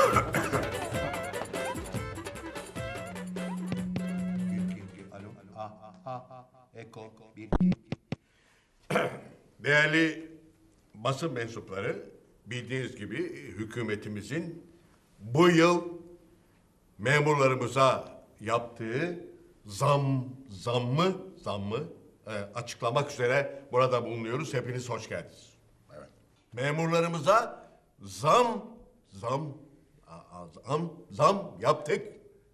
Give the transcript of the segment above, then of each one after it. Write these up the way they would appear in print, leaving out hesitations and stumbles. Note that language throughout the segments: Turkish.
Alo. Eko. Değerli basın mensupları, bildiğiniz gibi hükümetimizin bu yıl memurlarımıza yaptığı zammı açıklamak üzere burada bulunuyoruz. Hepiniz hoş geldiniz. Evet. Memurlarımıza zam yaptık.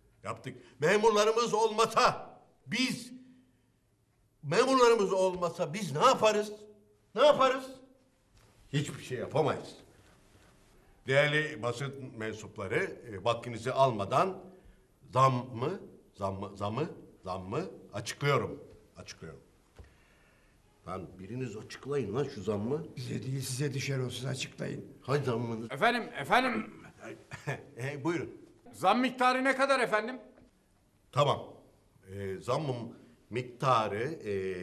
Memurlarımız olmasa biz ne yaparız? Ne yaparız? Hiçbir şey yapamayız. Değerli basın mensupları, vaktinizi almadan zammı açıklıyorum. Lan biriniz açıklayın lan şu zammı. Bize değil size düşer olsun, açıklayın. Hay zammını. Efendim, Buyurun. zam miktarı ne kadar efendim? Tamam. Zammın miktarı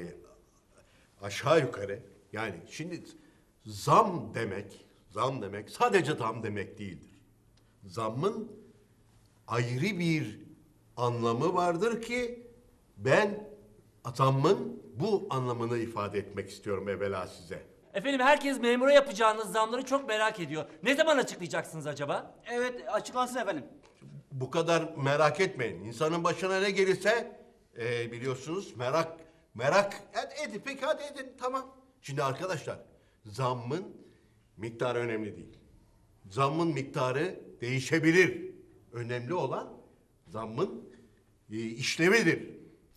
aşağı yukarı, yani şimdi zam demek sadece zam demek değildir. Zammın ayrı bir anlamı vardır ki ben zammın bu anlamını ifade etmek istiyorum evvela size. Efendim herkes memura yapacağınız zamları çok merak ediyor. Ne zaman açıklayacaksınız acaba? Evet, açıklansın efendim. Bu kadar merak etmeyin. İnsanın başına ne gelirse biliyorsunuz merak edin. Peki hadi edin, tamam. Şimdi arkadaşlar, zammın miktarı önemli değil. Zammın miktarı değişebilir. Önemli olan zammın işlevidir.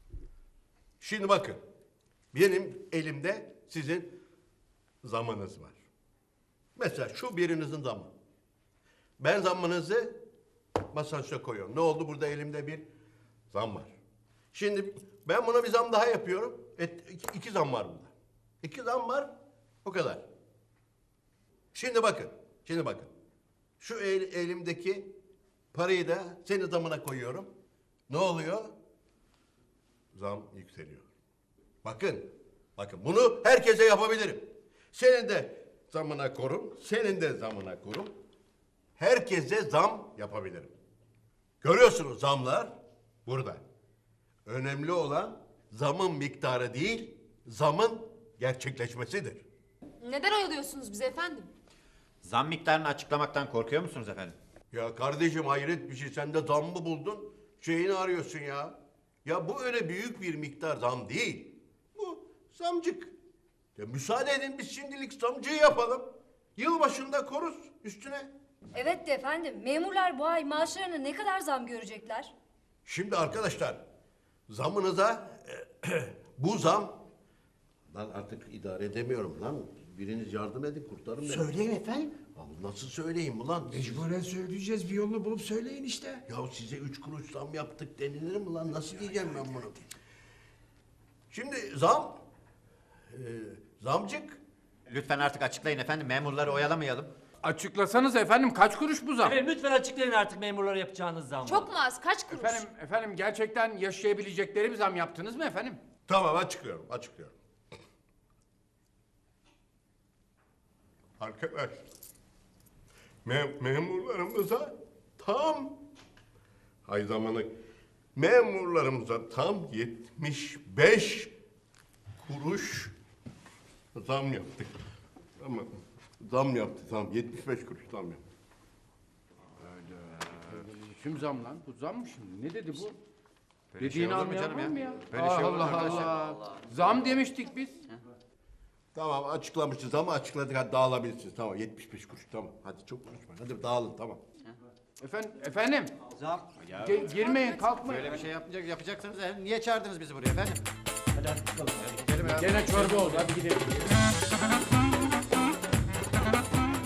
Şimdi bakın, benim elimde sizin zammınız var. Mesela şu birinizin zammı. Ben zammınızı masanın üstüne koyuyorum. Ne oldu? Burada elimde bir zam var. Şimdi ben buna bir zam daha yapıyorum. İki zam var burada. İki zam var, o kadar. Şimdi bakın. Şu elimdeki parayı da senin zamına koyuyorum. Ne oluyor? Zam yükseliyor. Bakın bunu herkese yapabilirim. Senin de zamına korum, senin de zamına korum. Herkese zam yapabilirim. Görüyorsunuz, zamlar burada. Önemli olan zamın miktarı değil, zamın gerçekleşmesidir. Neden oyalıyorsunuz bizi efendim? Zam miktarını açıklamaktan korkuyor musunuz efendim? Ya kardeşim, hayret bir şey, sen de zam mı buldun? Şeyini arıyorsun ya. Ya bu öyle büyük bir miktar zam değil. Bu zamcık. Ya müsaade edin, biz şimdilik zamcıyı yapalım. Yılbaşında koruz üstüne. Evet de efendim, memurlar bu ay maaşlarına ne kadar zam görecekler? Şimdi arkadaşlar, zamınıza bu zam... Lan artık idare edemiyorum lan. Biriniz yardım edin, kurtarın beni. Söyleyin efendim. Abi nasıl söyleyeyim ulan? Mecburen söyleyeceğiz, bir yolunu bulup söyleyin işte. Ya size 3 kuruş zam yaptık denilir mi lan? Nasıl diyeceğim ben bunu? Şimdi zamcık. Lütfen artık açıklayın efendim, memurları oyalamayalım. Açıklasanız efendim, kaç kuruş bu zam? Efendim lütfen açıklayın artık memurlara yapacağınız zamı. Çok mu az? Kaç kuruş? Efendim gerçekten yaşayabilecekleri bir zam yaptınız mı efendim? Tamam, açıklıyorum. Arkadaş, memurlarımıza tam 75 kuruş zam yaptık. Ama zam 75 kuruş zam yaptık. Kim zam lan? Bu zam mı şimdi? Ne dedi bu? Böyle şey Dediğini olur mu anlayan canım var mı ya? ya? Böyle şey olur mu Allah arkadaşlar? Allah. Zam demiştik biz. Tamam, açıklamışız ama açıkladık, hadi dağılabilirsiniz. Tamam, 75 kuruş, tamam. Hadi çok konuşmayın, hadi dağılın, tamam. Efendim. Zam. Girmeyin, kalkmayın. Böyle bir şey yapacaksanız niye çağırdınız bizi buraya efendim? Hadi bakalım. Gidelim ya. Gene çorba oldu, hadi gidelim.